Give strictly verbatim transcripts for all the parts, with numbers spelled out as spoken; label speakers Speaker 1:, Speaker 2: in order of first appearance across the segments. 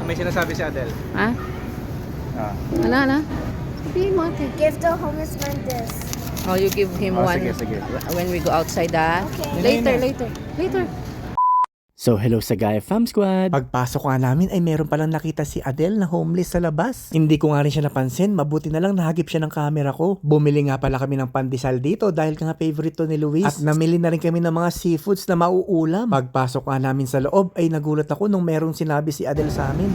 Speaker 1: may sinasabi si Adel.
Speaker 2: Ha?
Speaker 1: Ah.
Speaker 2: Ano, ano? Sabihin mo ate.
Speaker 3: Give the homeless man this.
Speaker 2: Oh, you give him
Speaker 1: Oh,
Speaker 2: one
Speaker 1: sige, sige.
Speaker 2: when we go outside, ah?
Speaker 3: Okay.
Speaker 2: Later,
Speaker 1: Yun na, yun
Speaker 2: later, later.
Speaker 4: So hello sa Gaia Fam Squad! Pagpasok nga namin ay meron palang nakita si Adel na homeless sa labas. Hindi ko nga rin siya napansin, mabuti na lang nahagip siya ng camera ko. Bumili nga pala kami ng pandesal dito dahil nga favorite to ni Luis. At namili na rin kami ng mga seafoods na mauulam. Pagpasok nga namin sa loob ay nagulat ako nung merong sinabi si Adel sa amin.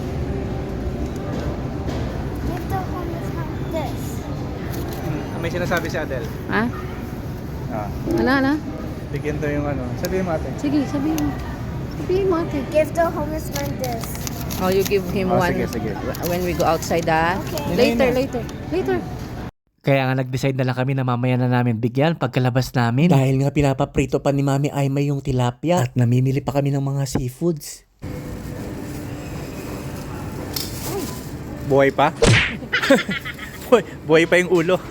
Speaker 3: Give the homeless man this.
Speaker 1: Hmm, may sinasabi si Adel.
Speaker 2: Ha?
Speaker 1: Ah.
Speaker 2: Ano, ano?
Speaker 1: Bigyan to yung ano. Sabihin mo ate.
Speaker 2: Sige, sabihin mo. Sabihin mo ate.
Speaker 3: Give the homeless man this.
Speaker 2: Oh, you give him
Speaker 1: Oh,
Speaker 2: one
Speaker 1: sige, sige.
Speaker 2: when we go outside, ah?
Speaker 3: Okay.
Speaker 2: Later,
Speaker 1: Yun na, yun
Speaker 2: later, later.
Speaker 4: Kaya nga nag-decide na lang kami na mamaya na namin bigyan pagkalabas namin. Dahil nga pinapaprito pa ni Mami Aima yung tilapia at namimili pa kami ng mga seafoods.
Speaker 1: Buhay pa? Buhay, buhay pa yung ulo.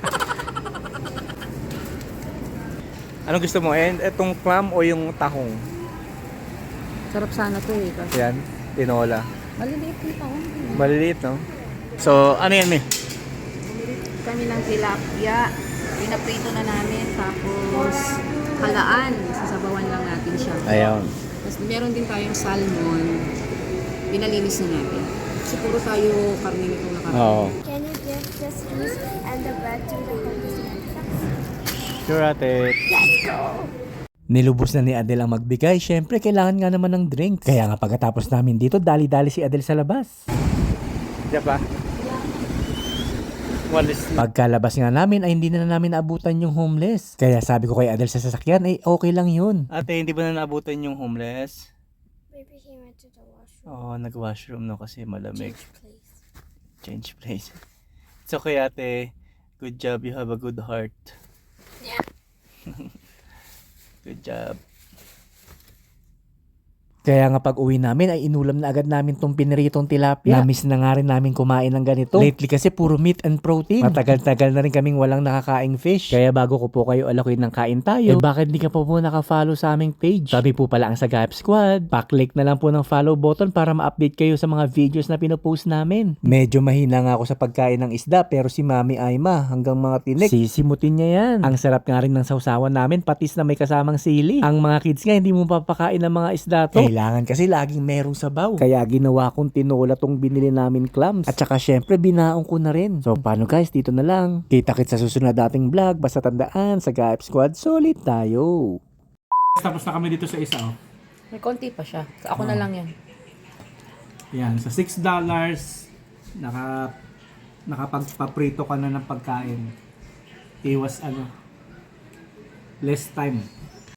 Speaker 1: Anong gusto mo? Eh, etong clam o yung tahong?
Speaker 2: Sarap sana to eh. Kasi
Speaker 1: Yan, tinola.
Speaker 2: maliliit yung taon.
Speaker 1: Maliliit, no? So, ano yan, eh?
Speaker 2: Bumili kami ng tilapia. Pinaprito na namin. Tapos, halaan. Sasabawan lang natin siya.
Speaker 1: Ayun.
Speaker 2: Tapos meron din tayong salmon. Pinalinis na natin. Kasi puro tayo karne itong nakaraan.
Speaker 1: Oo.
Speaker 3: Can you give this piece and the bread to the homeless man?
Speaker 1: Sure, ate.
Speaker 3: Let's go!
Speaker 4: Nilubos na ni Adel ang magbigay, syempre kailangan nga naman ng drinks. Kaya nga pagkatapos namin dito, dali-dali si Adel sa labas.
Speaker 1: Diyan pa? Walis na.
Speaker 4: Pagkalabas nga namin ay hindi na namin naabutan yung homeless. Kaya sabi ko kay Adel sa sasakyan ay okay lang yun.
Speaker 1: Ate, hindi ba na naabutan yung homeless?
Speaker 3: Maybe he went to the washroom.
Speaker 1: Oo, oh, nag-washroom no kasi malamig.
Speaker 3: Change place.
Speaker 1: Change place. It's okay, ate. Good job. You have a good heart.
Speaker 3: Yeah.
Speaker 1: Good job.
Speaker 4: Kaya nga pag uwi namin ay inulam na agad namin tong piniritong tilapia. Na-miss na nga rin namin kumain ng ganito. Lately kasi puro meat and protein. Matagal-tagal na rin kaming walang nakakaing fish. Kaya bago ko po kayo alakuin ng kain tayo, eh bakit di ka pa po nakafollow sa aming page? Sabi po pala ang Sagayap Squad. Pa-click na lang po ng follow button para ma-update kayo sa mga videos na pinopost namin. Medyo mahina nga ako sa pagkain ng isda pero si Mami Aima hanggang mga tinik. Sisimutin niya yan. Ang sarap nga rin ng sausawan namin patis na may kasamang sili. Ang mga kids nga hindi mo papakain ng mga isda to. Kailangan kasi laging merong sabaw. Kaya ginawa kong tinola tong binili namin clams. At saka syempre binaong ko na rin. So paano guys, dito na lang. Kita-kits sa susunod dating vlog. Basta tandaan, sa Sagayap Squad, solid tayo.
Speaker 5: Tapos na kami dito sa isa, oh.
Speaker 2: May konti pa siya. So, ako na lang yan.
Speaker 5: Yan, sa six dollars, naka, nakapagpaprito ka na ng pagkain. Iwas ano, less time.